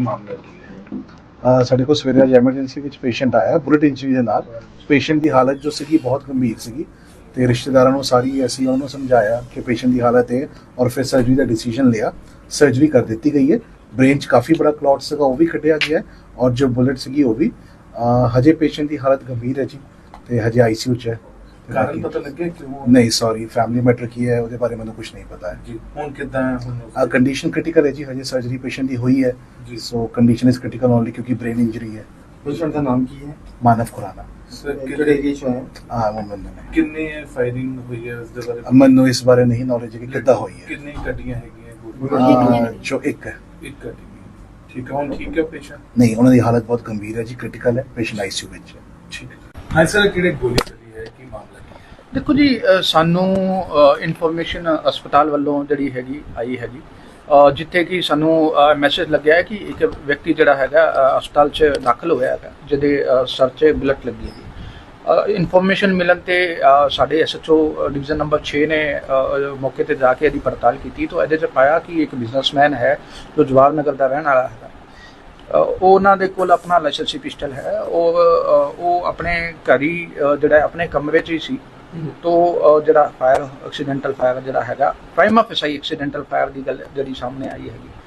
ਮਾਮਲਾ ਜੀ? ਸਾਡੇ ਕੋਲ ਸਵੇਰੇ ਅੱਜ ਐਮਰਜੈਂਸੀ ਵਿੱਚ ਪੇਸ਼ੈਂਟ ਆਇਆ ਬੁਲਟ ਇੰਜਰੀ ਦੇ ਨਾਲ। ਪੇਸ਼ੈਂਟ ਦੀ ਹਾਲਤ ਜੋ ਸੀਗੀ ਬਹੁਤ ਗੰਭੀਰ ਸੀਗੀ ਤੇ ਰਿਸ਼ਤੇਦਾਰਾਂ ਨੂੰ ਸਾਰੀ ਅਸੀਂ ਉਹਨਾਂ ਨੂੰ ਸਮਝਾਇਆ ਕਿ ਪੇਸ਼ੈਂਟ ਦੀ ਹਾਲਤ ਹੈ ਔਰ ਫਿਰ ਸਰਜਰੀ ਦਾ ਡਿਸੀਜਨ ਲਿਆ। ਸਰਜਰੀ ਕਰ ਦਿੱਤੀ ਗਈ ਹੈ। ਬ੍ਰੇਨ 'ਚ ਕਾਫੀ ਬੜਾ ਕਲੌਟ ਸੀਗਾ, ਉਹ ਵੀ ਕੱਢਿਆ ਗਿਆ ਹੈ ਔਰ ਜੋ ਬੁਲਟ ਸੀਗੀ ਉਹ ਵੀ। ਹਜੇ ਪੇਸ਼ੈਂਟ ਦੀ ਹਾਲਤ ਗੰਭੀਰ ਹੈ ਜੀ ਤੇ ਹਜੇ ਆਈਸੀਯੂ 'ਚ ਹੈ। ਕਾਰਨ ਪਤਾ ਲੱਗਿਆ ਕਿਉਂ? ਨਹੀਂ ਸੌਰੀ, ਫੈਮਿਲੀ ਮੈਟਰ ਕੀ ਹੈ ਉਹਦੇ ਬਾਰੇ ਮੈਨੂੰ ਕੁਝ ਨਹੀਂ ਪਤਾ ਹੈ ਜੀ। ਹੁਣ ਕਿੱਦਾਂ ਹੈ? ਹੁਣ ਕੰਡੀਸ਼ਨ ਕ੍ਰਿਟੀਕਲ ਹੈ ਜੀ, ਹਜੇ ਸਰਜਰੀ ਪੇਸ਼ੈਂਟ ਦੀ ਹੋਈ ਹੈ ਜੀ। So condition is critical only ਕਿਉਂਕਿ ਬ੍ਰੇਨ ਇੰਜਰੀ ਹੈ। पेशेंट का नाम की है? मानव खुराना। ਸਰ कितने एज में है? हाँ मुंबई में। ਕਿੰਨੇ ਫਾਇਰਿੰਗ ਹੋਈ ਹੈ ਉਸ ਦੇ ਬਾਰੇ? ਮੈਨੂੰ ਇਸ ਬਾਰੇ ਨਹੀਂ ਨੌਲੇਜ ਹੈ ਕਿ ਕਿੱਦਾਂ ਹੋਈ ਹੈ। ਕਿੰਨੀ ਗੱਡੀਆਂ ਹੈਗੀਆਂ? ਜੋ ਇੱਕ ਹੈ। ਇੱਕ ਗੱਡੀ। ਠੀਕ ਹੈ, ਹੁਣ ਠੀਕ ਹੈ ਪੇਸ਼ੈਂਟ? ਨਹੀਂ, ਉਹਨਾਂ ਦੀ ਹਾਲਤ ਬਹੁਤ ਗੰਭੀਰ ਹੈ ਜੀ, ਕ੍ਰਿਟੀਕਲ ਹੈ, ਪੇਸ਼ੈਂਟ ਆਈਸੀਯੂ ਵਿੱਚ ਹੈ। ਠੀਕ ਹੈ। ਹਾਂ ਸਰ, ਕਿਹੜੇ ਗੋਲੀ ਚੱਲੀ ਹੈ, ਕੀ ਮਾਮਲਾ ਕੀ ਹੈ? ਦੇਖੋ ਜੀ, ਸਾਨੂੰ ਇਨਫੋਰਮੇਸ਼ਨ ਹਸਪਤਾਲ ਵੱਲੋਂ ਜਿਹੜੀ ਹੈਗੀ ਆਈ ਹੈਗੀ, ਜਿੱਥੇ ਕਿ ਸਾਨੂੰ ਮੈਸੇਜ ਲੱਗਿਆ ਹੈ ਕਿ ਇੱਕ ਵਿਅਕਤੀ ਜਿਹੜਾ ਹੈਗਾ ਹਸਪਤਾਲ 'ਚ ਦਾਖਲ ਹੋਇਆ ਹੈਗਾ ਜਿਹਦੇ ਸਰ 'ਚ ਬੁਲਟ ਲੱਗੀ ਹੈਗੀ। ਇਨਫੋਰਮੇਸ਼ਨ ਮਿਲਣ ਤੇ ਸਾਡੇ ਐਸਐਚਓ ਡਿਵੀਜ਼ਨ ਨੰਬਰ 6 ਨੇ ਮੌਕੇ ਤੇ ਜਾ ਕੇ ਇਹਦੀ ਪੜਤਾਲ ਕੀਤੀ ਤਾਂ ਇਹਦੇ 'ਚ ਪਾਇਆ ਕਿ ਇੱਕ ਬਿਜ਼ਨਸਮੈਨ ਹੈ ਜੋ ਜਵਾਹਰ ਨਗਰ ਦਾ ਰਹਿਣ ਵਾਲਾ ਹੈਗਾ। ਉਹਨਾਂ ਦੇ ਕੋਲ ਆਪਣਾ ਲਾਇਸੈਂਸੀ ਪਿਸਟਲ ਹੈ। ਉਹ ਆਪਣੇ ਘਰ ਹੀ ਜਿਹੜਾ ਆਪਣੇ ਕਮਰੇ 'ਚ ਹੀ ਸੀ ਤੋ ਜਿਹੜਾ ਫਾਇਰ ਐਕਸੀਡੈਂਟਲ ਫਾਇਰ ਜਿਹੜਾ ਹੈਗਾ ਪ੍ਰਾਈਮਾ ਫੇਸਾਈ ਐਕਸੀਡੈਂਟਲ ਫਾਇਰ ਦੀ ਗੱਲ ਜਿਹੜੀ ਸਾਹਮਣੇ ਆਈ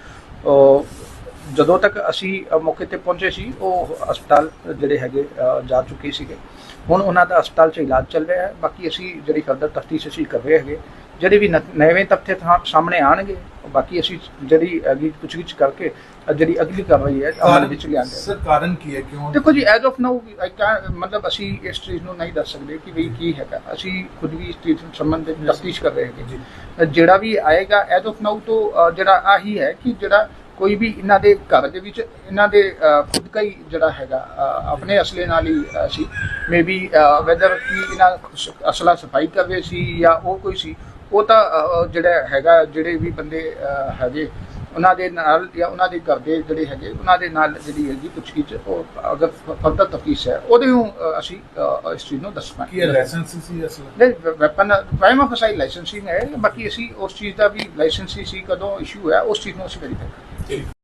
ਹੈਗੀ। ਜਦੋਂ ਤੱਕ ਅਸੀਂ ਮੌਕੇ ਤੇ ਪਹੁੰਚੇ ਸੀ ਉਹ ਹਸਪਤਾਲ ਜਿਹੜੇ ਹੈਗੇ ਜਾ ਚੁੱਕੇ ਸੀਗੇ। ਹੁਣ ਉਹਨਾਂ ਦਾ ਹਸਪਤਾਲ 'ਚ ਇਲਾਜ ਚੱਲ ਰਿਹਾ ਹੈ। ਬਾਕੀ ਅਸੀਂ ਜਿਹੜੀ ਫਰਦਰ ਤਫਤੀਸ਼ ਅਸੀਂ ਕਰ ਰਹੇ ਹੈਗੇ, ਜਿਹੜੇ ਵੀ ਨਵੇਂ ਤੱਥ ਸਾਹਮਣੇ ਆਉਣਗੇ ਬਾਕੀ ਅਸੀਂ ਜਿਹੜੀ ਅਗਲੀ ਪੁੱਛਗਿੱਛ ਕਰਕੇ ਜਿਹੜੀ ਅਗਲੀ ਕਾਰਵਾਈ ਹੈ ਅਮਲ ਵਿੱਚ ਲਿਆਂਗੇ। ਸਰ ਕਾਰਨ ਕੀ ਹੈ, ਕਿਉਂ? ਦੇਖੋ ਜੀ, ਐਜ਼ ਆਫ ਨਾਊ ਮਤਲਬ ਅਸੀਂ ਇਸ ਚੀਜ਼ ਨੂੰ ਨਹੀਂ ਦੱਸ ਸਕਦੇ ਕਿ ਵੀ ਕੀ ਹੈਗਾ। ਅਸੀਂ ਖੁਦ ਵੀ ਇਸ ਚੀਜ਼ ਸੰਬੰਧਿਤ ਤਫਤੀਸ਼ ਕਰ ਰਹੇ ਹੈਗੇ। ਜਿਹੜਾ ਵੀ ਆਏਗਾ ਐਜ਼ ਆਫ ਨਾਊ ਤੋਂ ਜਿਹੜਾ ਆਹੀ ਹੈ ਕਿ ਜਿਹੜਾ ਕੋਈ ਵੀ ਇਹਨਾਂ ਦੇ ਘਰ ਦੇ ਵਿੱਚ ਇਹਨਾਂ ਦੇ ਖੁਦ ਦਾ ਹੀ ਜਿਹੜਾ ਹੈਗਾ ਆਪਣੇ ਅਸਲੇ ਨਾਲ ਹੀ ਸੀ ਮੇਬੀ ਵੈਦਰ ਕਿ ਇਹਨਾਂ ਅਸਲਾ ਸਫਾਈ ਕਰ ਰਹੇ ਸੀ ਜਾਂ ਉਹ ਕੋਈ ਸੀ, ਉਹ ਤਾਂ ਜਿਹੜਾ ਹੈਗਾ ਜਿਹੜੇ ਵੀ ਬੰਦੇ ਹੈਗੇ ਉਹਨਾਂ ਦੇ ਨਾਲ ਜਾਂ ਉਹਨਾਂ ਦੇ ਘਰ ਦੇ ਜਿਹੜੇ ਹੈਗੇ ਉਹਨਾਂ ਦੇ ਨਾਲ ਜਿਹੜੀ ਹੈਗੀ ਪੁੱਛਗਿੱਛ ਉਹ ਅਗਰ ਫਰਦਰ ਤਫਤੀਸ਼ ਹੈ ਉਹਦੇ ਨੂੰ ਅਸੀਂ ਇਸ ਚੀਜ਼ ਨੂੰ ਦੱਸਣਾ। ਕੀ ਲਾਇਸੈਂਸ ਸੀ ਅਸਲ? ਨਹੀਂ, ਵੈਪਨ ਪ੍ਰਾਈਮਾ ਫੇਸਾਈ ਲਾਇਸੈਂਸਿੰਗ ਹੈ। ਬਾਕੀ ਅਸੀਂ ਉਸ ਚੀਜ਼ ਦਾ ਵੀ ਲਾਇਸੈਂਸੀ ਸੀ ਕਦੋਂ ਇਸ਼ੂ ਹੋਇਆ ਉਸ ਚੀਜ਼ ਨੂੰ ਅਸੀਂ ਵੈਰੀਫਾਈ ਕਰਾਂਗੇ।